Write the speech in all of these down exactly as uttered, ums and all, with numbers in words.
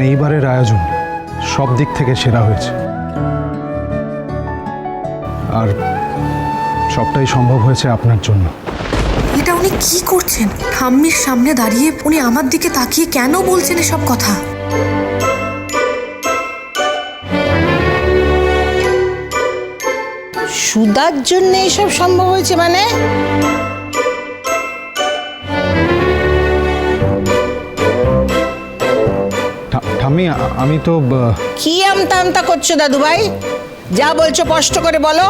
এইবারের আয়োজন সব দিক থেকে সেরা হয়েছে, আর সবটাই সম্ভব হয়েছে আপনার জন্য। এটা উনি কি করছেন? ঠাম্মির সামনে দাঁড়িয়ে উনি আমার দিকে তাকিয়ে কেন বলছেন এসব কথা? সুধার জন্য এসব সম্ভব হয়েছে মানে? ঠাম্মি, আমি তো কি আমতা আমতা করছো দাদু ভাই? যা বলছো স্পষ্ট করে বলো।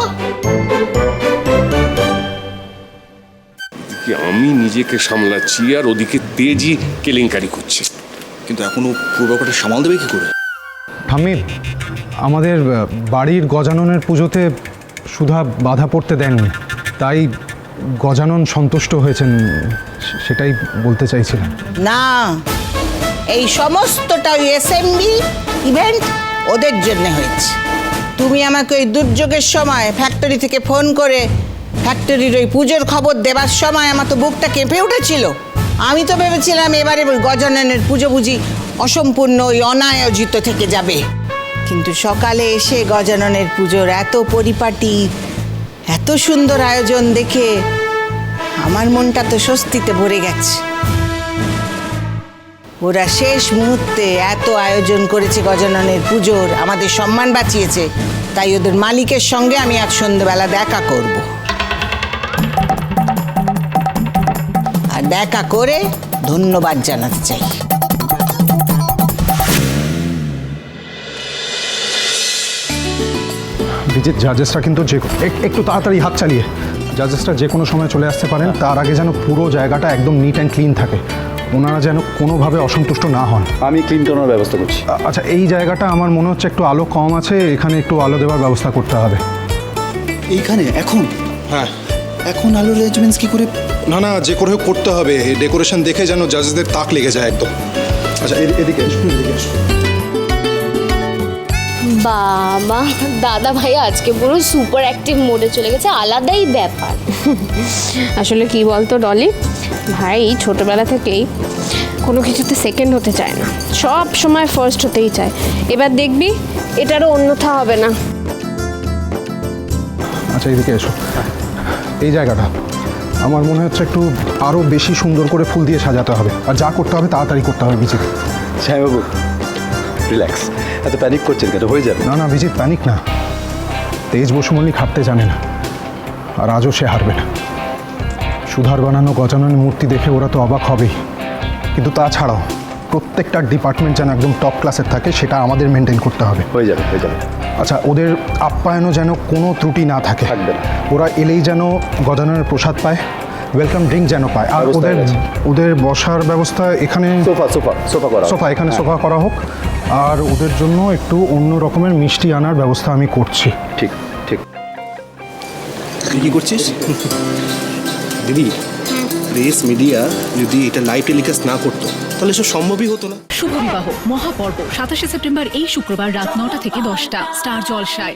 আমি নিজেকে সামলাচ্ছি আর ওদিকে তেজি কেলেঙ্কারি করছে। কিন্তু এখনো পুরো ব্যাপারটা সামাল দেবে কি করে? ঠাম্মি, আমাদের বাড়ির গজাননের পুজোতে সুধা বাধা পড়তে দেননি, তাই গজানন সন্তুষ্ট হয়েছেন, সেটাই বলতে চাইছিলাম। না, এই সমস্তটা ওই এসএমবি ইভেন্ট ওদের জন্য হয়েছে। তুমি আমাকে ওই দুর্যোগের সময় ফ্যাক্টরি থেকে ফোন করে ফ্যাক্টরির ওই পুজোর খবর দেবার সময় আমার তো বুকটা কেঁপে উঠেছিল। আমি তো ভেবেছিলাম এবারে ওই গজাননের পুজো বুঝি অসম্পূর্ণ ওই অনায়োজিত থেকে যাবে, কিন্তু সকালে এসে গজাননের পুজোর এত পরিপাটি, এত সুন্দর আয়োজন দেখে আমার মনটা তো স্বস্তিতে ভরে গেছে। ওরা শেষ মুহূর্তে এত আয়োজন করেছে গজাননের পুজোর, আমাদের সম্মান বাঁচিয়েছে, তাই ওদের মালিকের সঙ্গে আমি আজ সন্ধ্যেবেলা দেখা করব, আর দেখা করে ধন্যবাদ জানাতে চাই। বিজিত, জাজেসরা কিন্তু যে একটু তাড়াতাড়ি হাত চালিয়ে জাজেসরা যে কোনো সময় চলে আসতে পারেন, তার আগে যেন পুরো জায়গাটা একদম নিট অ্যান্ড ক্লিন থাকে, ওনারা যেন কোনোভাবে অসন্তুষ্ট না হন। আমি ক্লিন করানোর ব্যবস্থা করছি। আচ্ছা, এই জায়গাটা আমার মনে হচ্ছে একটু আলো কম আছে, এখানে একটু আলো দেওয়ার ব্যবস্থা করতে হবে। এইখানে এখন? হ্যাঁ, এখন আলো অ্যারেঞ্জমেন্টস কি করে? না না, যে করে হোক করতে হবে। ডেকোরেশন দেখে যেন জাজেসদের তাক লেগে যায় একদম। আচ্ছা, এ- এদিকে এসো, এদিকে এসো। বাবা, দাদা ভাই আজকে পুরো সুপার অ্যাক্টিভ মোডে চলে গেছে, আলাদাই ব্যাপার। আসলে কি বলতো ডলি ভাই, ছোটবেলা থেকেই কোনো কিছুতে সেকেন্ড হতে চায় না, সব সময় ফার্স্ট হতেই চায়। এবার দেখবি এটারও অন্যথা হবে না। আচ্ছা, এদিকে এসো। এই জায়গাটা আমার মনে হচ্ছে একটু আরও বেশি সুন্দর করে ফুল দিয়ে সাজাতে হবে, আর যা করতে হবে তাড়াতাড়ি করতে হবে। বিজিত, সাহেববাবু রিল্যাক্স, এত প্যানিক করছেন কেন? হয়ে যাবে। না না বিজিত, প্যানিক না। তেজ বসু মল্লিক হারতে জানে না, আর আজও সে হারবে না। সুধার বানানো গজাননের মূর্তি দেখে ওরা তো অবাক হবেই, কিন্তু তাছাড়াও প্রত্যেকটা ডিপার্টমেন্ট যেন একদম টপ ক্লাসের থাকে, সেটা আমাদের মেনটেন করতে হবে। হয়ে যাবে, হয়ে যাবে। আচ্ছা, ওদের আপ্যায়নও যেন কোনো ত্রুটি না থাকে, থাকবে না। ওরা এলেই যেন গজাননের প্রসাদ পায়, ওয়েলকাম ড্রিঙ্ক যেন পায়, আর ব্যবস্থা ওদের হয়ে গেছে। ওদের বসার ব্যবস্থা এখানে সোফা সোফা সোফা করা। সোফা এখানে হ্যাঁ। সোফা করা হোক, আর ওদের জন্য একটু অন্য রকমের মিষ্টি আনার ব্যবস্থা আমি করছি। ঠিক ঠিক। তুই কি করছিস? দিদি, প্রেস মিডিয়া যদি এটা লাইভ টেলিকাস্ট না করতো তাহলে সব সম্ভবই হতো না। শুভ বিবাহ মহাপর্ব সাতাশে সেপ্টেম্বর এই শুক্রবার রাত নটা থেকে দশটা স্টার জলসায়।